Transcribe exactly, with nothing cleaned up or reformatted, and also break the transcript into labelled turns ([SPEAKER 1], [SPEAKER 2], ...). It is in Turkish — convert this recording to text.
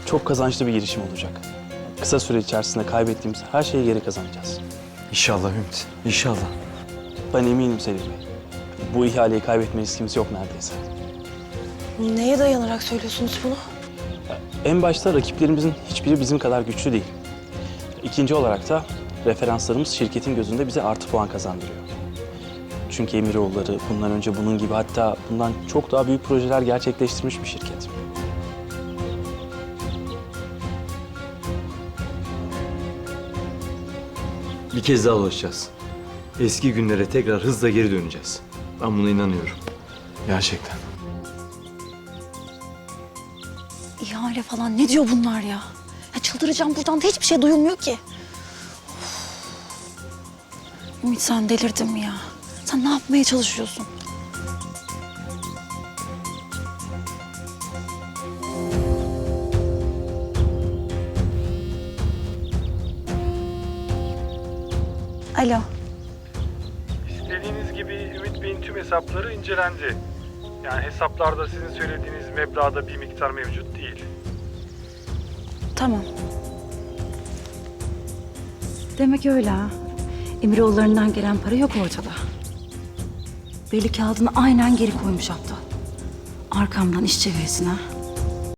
[SPEAKER 1] çok kazançlı bir girişim olacak. Kısa süre içerisinde kaybettiğimiz her şeyi geri kazanacağız.
[SPEAKER 2] İnşallah Ümit, inşallah.
[SPEAKER 1] Ben eminim Selim Bey. Bu ihaleyi kaybetme riskimiz yok neredeyse.
[SPEAKER 3] Neye dayanarak söylüyorsunuz bunu?
[SPEAKER 1] En başta rakiplerimizin hiçbiri bizim kadar güçlü değil. İkinci olarak da referanslarımız şirketin gözünde bize artı puan kazandırıyor. Çünkü Emiroğulları bundan önce bunun gibi, hatta bundan çok daha büyük projeler gerçekleştirmiş bir şirket.
[SPEAKER 2] Bir kez daha ulaşacağız. Eski günlere tekrar hızla geri döneceğiz. Ben buna inanıyorum. Gerçekten.
[SPEAKER 3] İhale falan ne diyor bunlar ya? Ya çıldıracağım, buradan da hiçbir şey duyulmuyor ki. Of. Ümit, sen delirdin mi ya? Sen ne yapmaya çalışıyorsun? Alo.
[SPEAKER 4] İstediğiniz gibi Ümit Bey'in tüm hesapları incelendi. Yani hesaplarda sizin söylediğiniz meblağda bir miktar mevcut değil.
[SPEAKER 3] Tamam. Demek öyle ha. Emiroğullarından gelen para yok ortada. Belli kağıdını aynen geri koymuş hatta. Arkamdan iş çevirsin ha.